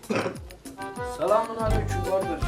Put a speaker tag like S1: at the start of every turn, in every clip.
S1: Selamünaleyküm kardeş.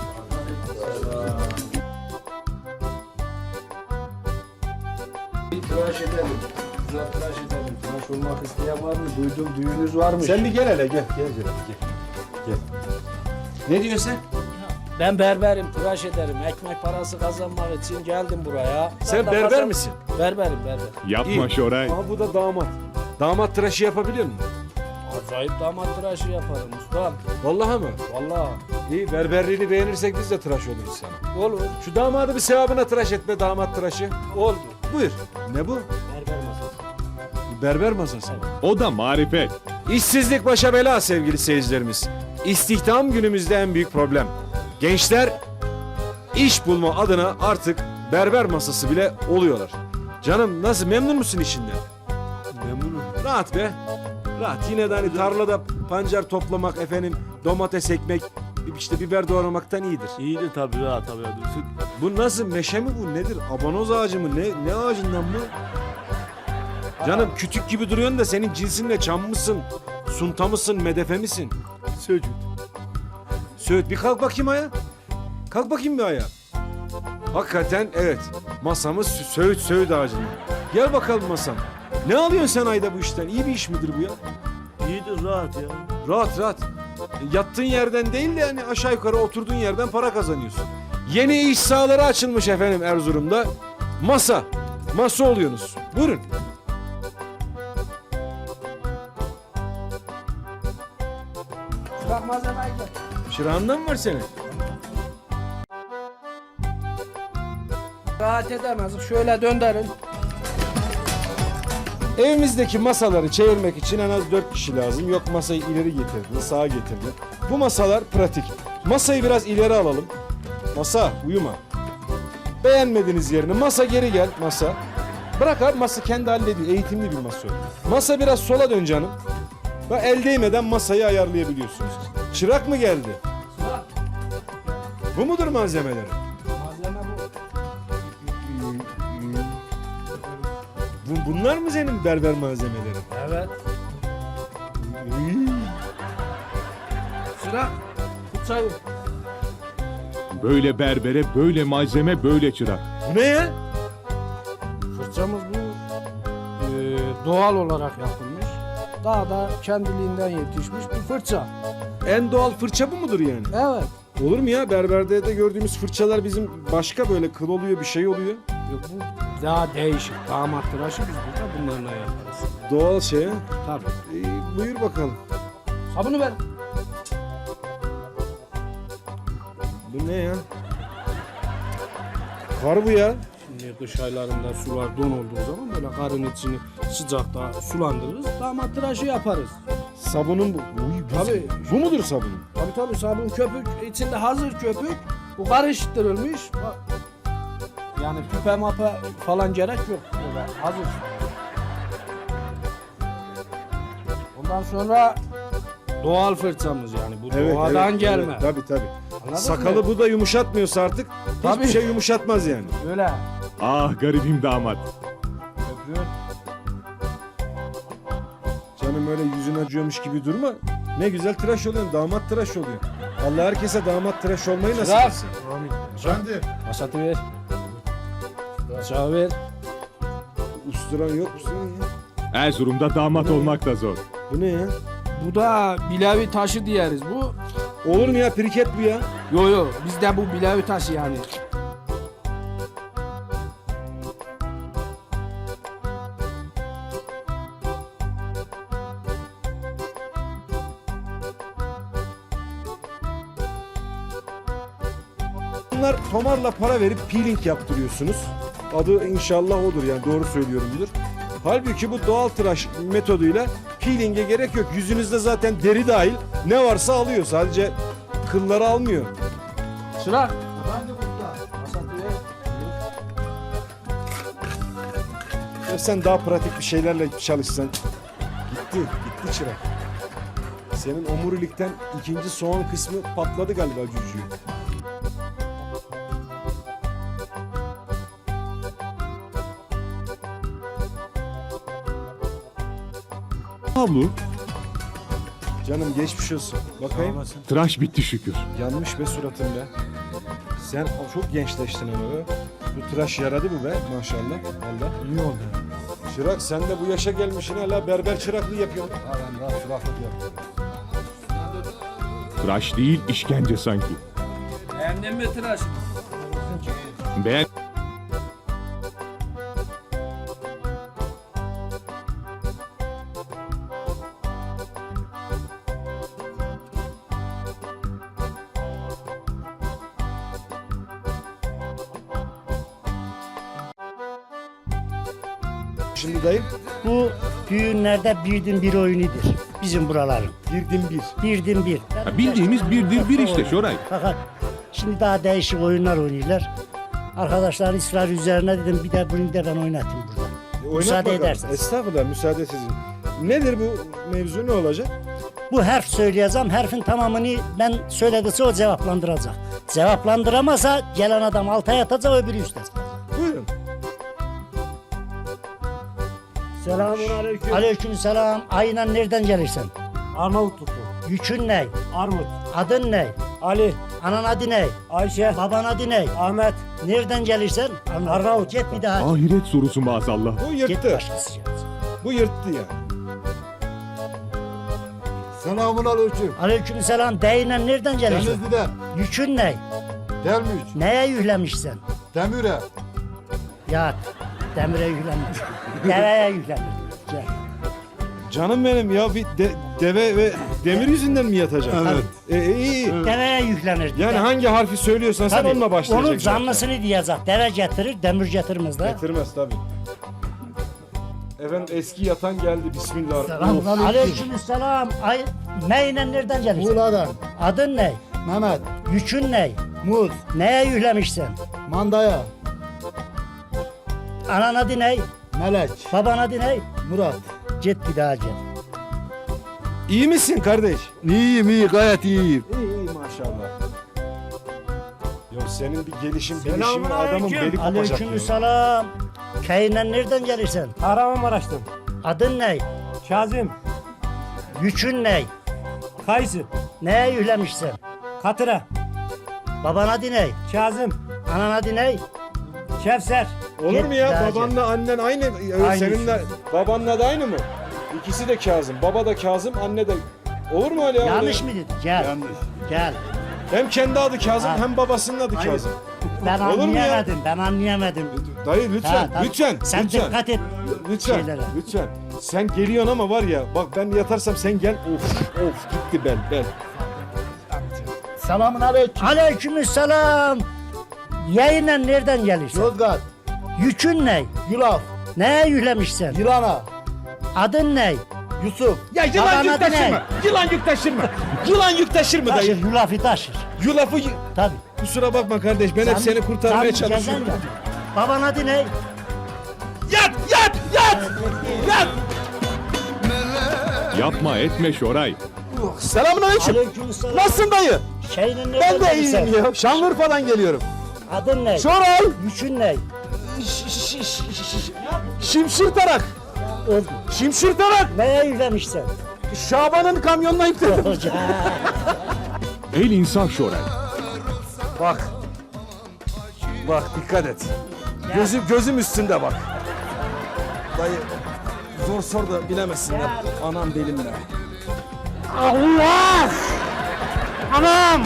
S1: Bir tıraş edelim. Güzel tıraş edelim. Tıraş olmak isteyen var mı? Duydum düğünüz varmış.
S2: Sen bir gel hele gel. Gel Celal gel. Ne diyorsun sen?
S1: Ben berberim, tıraş ederim. Ekmek parası kazanmak için geldim buraya.
S2: Sen
S1: de
S2: berber misin?
S1: Berberim, berber.
S3: Yapma
S2: İyi.
S3: Şoray.
S2: Ama bu da damat. Damat tıraşı yapabiliyor musun?
S1: Acayip damat tıraşı yaparım ustam.
S2: Vallahi mı?
S1: Vallahi.
S2: İyi, berberliğini beğenirsek biz de tıraş oluruz sana.
S1: Olur.
S2: Şu damadı bir sevabına tıraş etme, damat tıraşı.
S1: Oldu.
S2: Buyur. Ne bu?
S1: Berber masası.
S2: Berber masası.
S3: O da marifet.
S2: İşsizlik başa bela sevgili seyircilerimiz. İstihdam günümüzde en büyük problem. Gençler iş bulma adına artık berber masası bile oluyorlar. Canım nasıl, memnun musun işinden?
S4: Memnunum.
S2: Rahat be. Rahat. Yine de hani tarlada pancar toplamak, efendim domates ekmek, işte biber doğramaktan iyidir.
S4: İyi de tabii rahat tabii.
S2: Bu nasıl, meşe mi bu, nedir? Abanoz ağacı mı? Ne ağacından bu? Canım kütük gibi duruyorsun da senin cinsin ne? Çam mısın? Sunta mısın? Medefe misin?
S4: Söcük.
S2: Söğüt, bir kalk bakayım ayağa. Kalk bakayım bir ayağa. Hakikaten evet. Masamız söğüt ağacının. Gel bakalım masam. Ne alıyorsun sen ayda bu işten? İyi bir iş midir bu ya?
S4: İyidir rahat ya.
S2: Rahat. Yattığın yerden değil de yani aşağı yukarı oturduğun yerden para kazanıyorsun. Yeni iş sahaları açılmış efendim Erzurum'da. Masa oluyorsunuz. Buyurun.
S1: Bırak malzemeyi gel.
S2: Şırağından mı var senin?
S1: Rahat edemezdik. Şöyle döndürün.
S2: Evimizdeki masaları çevirmek için en az 4 kişi lazım. Yok masayı ileri getirdin, sağa getirdin. Bu masalar pratik. Masayı biraz ileri alalım. Masa, uyuma. Beğenmediğiniz yerini masa geri gel, masa. Bırak abi, masa kendi hallediyor. Eğitimli bir masa o. Masa biraz sola dön canım. Bak, el değmeden masayı ayarlayabiliyorsunuz. Çırak mı geldi?
S1: Bırak.
S2: Bu mudur malzemeleri?
S1: Malzeme bu.
S2: Bunlar mı senin berber malzemeleri?
S1: Evet. Sıra. Fırçayı.
S3: Böyle berbere, böyle malzeme, böyle çırak.
S2: Bu ne ya?
S1: Fırçamız bu doğal olarak yapılmış. Daha da kendiliğinden yetişmiş bir fırça.
S2: En doğal fırça bu mudur yani?
S1: Evet.
S2: Olur mu ya? Berberde de gördüğümüz fırçalar bizim başka, böyle kıl oluyor, bir şey oluyor.
S1: Yok, bu daha değişik. Damat tıraşı biz burada bunlarla yaparız.
S2: Doğal şey ha.
S1: Tabii.
S2: Buyur bakalım.
S1: Sabunu ver.
S2: Bu ne ya? Kar bu ya.
S1: Şimdi kış aylarında sular don olduğu zaman böyle karın içini sıcakta sulandırırız. Damat tıraşı yaparız.
S2: Sabunun bu. Uy,
S1: Tabii.
S2: Bu mudur sabunun?
S1: Tabii sabun köpük. İçinde hazır köpük. Bu karıştırılmış. Yani tüpe mapa falan gerek yok. Böyle hazır. Ondan sonra doğal fırçamız yani. Bu doğadan gelme.
S2: Evet, tabii.
S1: Anladın
S2: Sakalı
S1: mı?
S2: bu da yumuşatmıyorsa artık
S1: Tabii.
S2: hiçbir şey yumuşatmaz yani.
S1: Öyle.
S3: Ah garibim damat.
S1: Köpüğün.
S2: Canım öyle yüzün acıyormuş gibi durma. Ne güzel tıraş oluyorsun, damat tıraş oluyor. Allah herkese damat tıraş olmayı nasip
S1: Sıra.
S2: etsin.
S4: Efendim?
S1: Masatı ver. Bıçağı ver.
S2: Usturan yok mu senin ya?
S3: Erzurum'da damat olmak da zor.
S2: Bu ne ya?
S1: Bu da bilevi taşı diyeriz. Bu
S2: Olur mu ya, priket bu ya?
S1: yo bizde bu bilevi taşı yani.
S2: Bunlar tomarla para verip peeling yaptırıyorsunuz. Adı inşallah odur, yani doğru söylüyorumdur. Halbuki bu doğal tıraş metoduyla peeling'e gerek yok. Yüzünüzde zaten deri dahil ne varsa alıyor. Sadece kılları almıyor.
S1: Sıra. Masatı ver.
S2: Ya sen daha pratik bir şeylerle çalışsan. Gitti çırak. Senin omurilikten ikinci soğan kısmı patladı galiba cücüğü.
S3: Havlu.
S2: Canım geçmiş olsun. Bakayım.
S3: Tıraş bitti şükür.
S2: Yanmış be suratın be. Sen çok gençleştin ama be. Bu tıraş yaradı bu be maşallah. Valla.
S5: İyi oldu.
S2: Çırak sen de bu yaşa gelmişsin hala berber çıraklığı yapıyorsun.
S5: Ben daha çıraklık yaptım.
S3: Tıraş değil işkence sanki.
S1: Beğendin mi tıraş?
S3: Beğen...
S2: Şimdi dayım
S6: Bu düğünlerde birden bir oyunudur bizim buraların.
S2: girdin bir.
S6: Birden bir.
S3: Ha, bildiğimiz birdir bir işte Şoray.
S6: Fakat şimdi daha değişik oyunlar oynuyorlar. Arkadaşlar ısrar üzerine dedim bir de bunu da ben oynatayım burada.
S2: Oynat
S6: Müsaade
S2: bakalım.
S6: ederseniz.
S2: Estağfurullah müsaade sizin. Nedir bu mevzu ne olacak?
S6: Bu harf söyleyeceğim. Harfin tamamını ben söylediyse o cevaplandıracak. Cevaplandıramazsa gelen adam altaya yatacak öbürü üstte.
S2: Buyurun.
S5: Selamun aleyküm.
S6: Aleyküm selam. Aynen nereden gelirsen?
S5: Arnavutluklu.
S6: Yükün ne?
S5: Armut.
S6: Adın ne?
S5: Ali.
S6: Anan adı ne?
S5: Ayşe.
S6: Baban adı ne?
S5: Ahmet.
S6: Nereden gelirsen?
S5: Arnavut.
S6: Git bir daha.
S3: Ahiret sorusu maazallah.
S2: Bu
S6: Git
S2: yırttı.
S6: başkası gelecek.
S2: Bu yırttı ya.
S7: Selamun aleyküm.
S6: Aleyküm selam. Deyinen nereden gelirsin?
S7: Denizli'den.
S6: Yükün ne?
S7: Delmiş.
S6: Neye yüklemişsin?
S7: Demire.
S6: Ya demire yüklemiş. Deveye yüklemiş. Gel.
S2: Canım benim ya bir deve ve demir yüzünden mi yatacağım?
S7: Evet.
S2: İyi.
S6: Deveye yüklenir.
S2: Yani hangi harfi söylüyorsan sen
S6: Tabii,
S2: onunla başlayacaksın.
S6: onun canlısını diyecek. Deve getirir, demir getirmez de.
S2: Getirmez tabii. Efendim eski yatan geldi bismillah.
S6: Aleyküm selam. Neyle nereden gelirsin?
S7: Muğla'dan.
S6: Adın ne?
S7: Mehmet.
S6: Yükün ne?
S7: Muz.
S6: Neye yüklemişsin?
S7: Mandaya.
S6: Anan adı ne?
S7: Melek.
S6: Baban adı ne?
S7: Murat.
S6: Git bir daha gel.
S2: İyi misin kardeş?
S7: İyiyim iyi gayet iyiyim.
S2: İyi maşallah. Ya senin bir gelişim bilişimin adamın beli kopacak.
S6: Aleyküm
S2: ya.
S6: selam. Köyünden nereden gelirsin?
S5: Kahramanmaraş'tan.
S6: Adın ne?
S5: Kazım.
S6: Yükün ne?
S5: Kayısı.
S6: Neye yüklemişsin?
S5: Katıra.
S6: Baban adı ne?
S5: Kazım.
S6: Anan adı ne?
S5: Kevser.
S2: Olur mu ya?
S6: Git
S2: Babanla annen aynı.
S6: Aynı.
S2: Seninle babanla da aynı mı? İkisi de Kazım. Baba da Kazım, anne de. Olur mu öyle ya?
S6: Yanlış mı dedim? Gel.
S7: Yanlış.
S6: Gel.
S2: Hem kendi adı Kazım
S6: Ha.
S2: hem babasının adı Kazım.
S6: Ben
S2: Olur mu ya?
S6: anlayamadım. Ben anlayamadım.
S2: Dayı lütfen,
S6: Ha, tamam.
S2: lütfen,
S6: Sen
S2: lütfen.
S6: dikkat et.
S2: Lütfen,
S6: şeylere.
S2: lütfen. Sen geliyorsun ama var ya, bak ben yatarsam sen gel. Of, gitti bel.
S7: Selamun aleyküm.
S6: Aleykümselam. Yayına nereden gelirsin?
S7: Yozgat.
S6: Yükün ne?
S7: Yulaf.
S6: Neye yüklemişsin?
S7: Yılana.
S6: Adın ne?
S7: Yusuf.
S2: Ya
S6: yılan Baban yük adı taşırma, ne?
S2: Yılan yük taşırma. Yılan yük taşırma
S6: Taşır, yulafı taşır.
S2: Yulafı...
S6: Tabii.
S2: Kusura bakma kardeş, ben hep seni kurtarmaya
S6: Tabii,
S2: çalışıyorum.
S6: gezen ya. Baban adı ne?
S2: Yat!
S3: Yapma etme Şoray.
S2: Selamünaleyküm.
S6: Aleykümselam.
S2: Nasılsın dayı?
S6: Şeyinin nereden
S2: Ben de
S6: gelirsin?
S2: iyiyim ya. Şanlıurfa'dan geliyorum.
S6: Adın ne?
S2: Şoray!
S6: Yükün ne?
S2: Şimşirtarak!
S6: Öldü.
S2: Şimşirtarak!
S6: Neye yüklemişsin?
S2: Şaban'ın kamyonuna yükledim.
S6: Hoca.
S3: El insaf Şoray.
S2: Bak. Bak dikkat et. Gözüm üstünde bak. Dayı zor sor da bilemezsin ya. Anam belimle.
S6: Allah! Anam!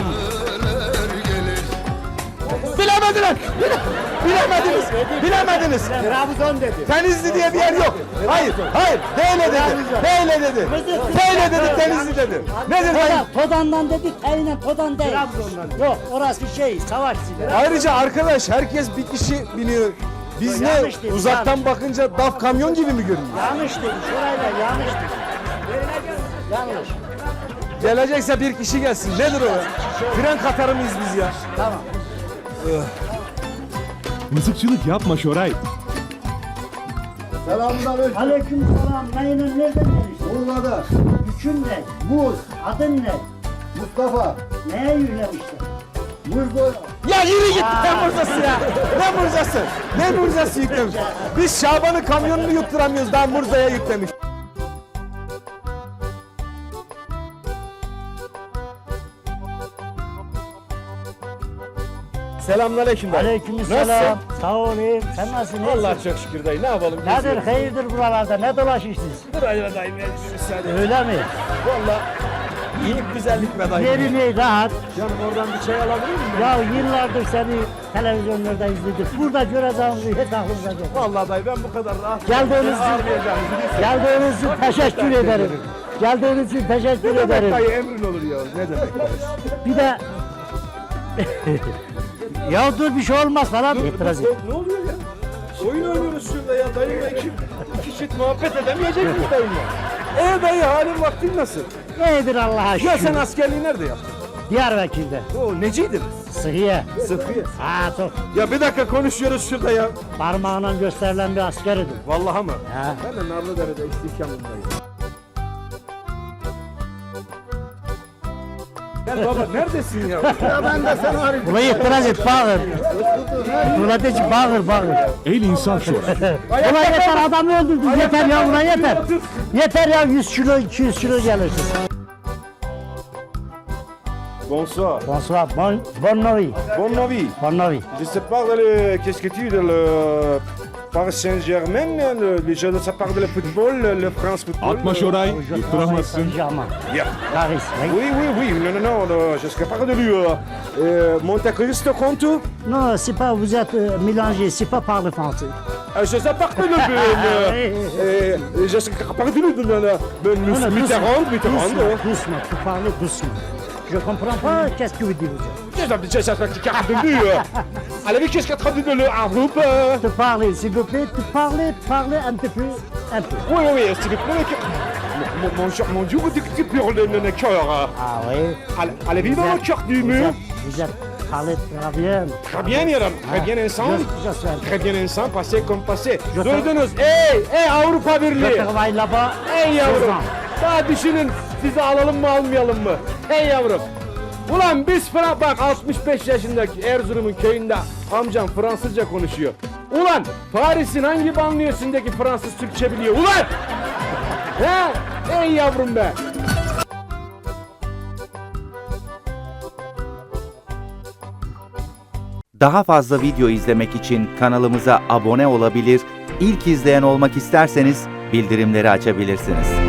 S2: Bilemediler. Bilemediniz.
S6: Trabzon dedi.
S2: Denizli diye bir yer yok. Hayır. Böyle dedi. Böyle dedi Denizli dedi. Nedir dayı?
S6: Todan'dan dedik, aynen Todan değil. Trabzon'dan. Yok, orası şey, savaş zili.
S2: Ayrıca arkadaş herkes bir kişi biliyor. Biz ne
S6: Yanlış dedi,
S2: uzaktan
S6: yanlış.
S2: bakınca DAF kamyon gibi mi görünüyor?
S6: Yanlış dedi, şurayla yanlış dedi. Yanlış.
S2: Gelecekse bir kişi gelsin. Nedir o? Fren katarı mıyız biz ya?
S6: Tamam.
S3: Mızıkçılık yapma Şoray.
S7: Selamun aleyküm.
S6: Aleykümselam, neyle nereden gelirsin?
S7: Muğla'da.
S6: Yükün ne?
S7: Muz.
S6: Adın ne?
S7: Mustafa.
S6: Neye yüklemişsin?
S7: Muz boyu.
S2: Ya yürü git. Ne Murzası ya? Ne Murzası? Ne Murzası yüklemiş? Biz Şaban'ın kamyonunu yutturamıyoruz. Daha Murza'ya yüklemiş. Selamünaleyküm dayı.
S6: Aleykümselam. Sağ olayım. Sen nasılsın?
S2: Allah çok şükür dayı. Ne yapalım?
S6: Nedir hayırdır buralarda? Ne dolaşıyorsunuz?
S2: Dur ayva dayı. Bir müsaade.
S6: Öyle mi?
S2: Valla iyilik güzellik be dayı.
S6: Yerini rahat.
S2: Canım oradan bir çay alabilir miyim?
S6: Ya yıllardır seni televizyonlarda izledik. Burada göreceğimizi hiç aklımıza gelmedi.
S2: Vallahi dayı ben bu kadar rahat.
S6: Geldiğiniz için teşekkür ederim. Geldiğiniz için teşekkür
S2: Ne demek
S6: ederim.
S2: dayı emrin olur ya. Ne demek dayı?
S6: Bir de ya dur bir şey olmaz falan itiraz et.
S2: Ne oluyor ya? Oyun oynuyoruz şurada ya. Dayımla iki çift muhabbet edemeyecek miyiz dayımla? Dayı halin vaktin nasıl?
S6: Nedir Allah'a şükür?
S2: Ya sen askerliği nerede yaptın?
S6: Diyarbakır'da.
S2: O neciydin?
S6: Sıhhiye.
S2: Sıfıya.
S6: Ha çok.
S2: Ya bir dakika konuşuyoruz şurada ya.
S6: Parmağına gösterilen bir askeridim.
S2: Vallahi mı?
S6: Ha.
S2: Ben de Narlıdere'de istihkamındayım. Gel baba neredesin ya? Ya ben de sana arayayım.
S6: Buna itiraz et bağır. Buna de ki bağır.
S3: El İnsaf Şoray.
S6: Buna yeter adamı öldürdün. Yeter ya buna yeter. Yeter ya 100 kilo 200 kilo gelirsin.
S2: Bonsoir.
S6: Bonsoir. Bon nuit.
S2: Bon nuit.
S6: Bon nuit.
S2: Je sais pas qu'est-ce que tu dis le Paris Saint-Germain, ça parle de le football, le France football.
S3: Atma Şoray. Yutturamazsın.
S6: Saint-Germain.
S2: Ya.
S6: Paris. Oui.
S2: Oui, non, je sais pas de lui. Monte Cristo compte.
S6: Non, c'est pas, vous êtes mélangé, c'est pas par le français.
S2: Je sais pas de lui. Je sais pas de lui. Mitterrand.
S6: Doucement, tu parles doucement. Je comprends pas, qu'est-ce que vous dites vous êtes.
S2: Je sais pas de lui. Allez, qu'est-ce qu'il a traduit de le groupe?
S6: Te parler, s'il vous plaît, te parler un petit peu, un peu.
S2: Oui, s'il vous plaît. Mon Dieu, tu hurles le cœur.
S6: Ah oui.
S2: Allez, vivre dans le cœur du mur.
S6: Vous êtes parlé très bien.
S2: Très bien yaram, très bien insan.
S6: Je sais.
S2: Très bien insan, passé comme passé.
S6: Je-
S2: Duydunuz, ey Avrupa
S6: Je
S2: Birliği.
S6: travaille là-bas.
S2: Ey yavrum,
S6: 16 ans.
S2: daha düşünün sizi alalım mı almayalım mı? Ey yavrum. Ulan biz bak 65 yaşındaki Erzurum'un köyünde amcam Fransızca konuşuyor. Ulan Paris'in hangi banliyösündeki Fransız Türkçe biliyor ulan? He? Ey yavrum be.
S8: Daha fazla video izlemek için kanalımıza abone olabilir, ilk izleyen olmak isterseniz bildirimleri açabilirsiniz.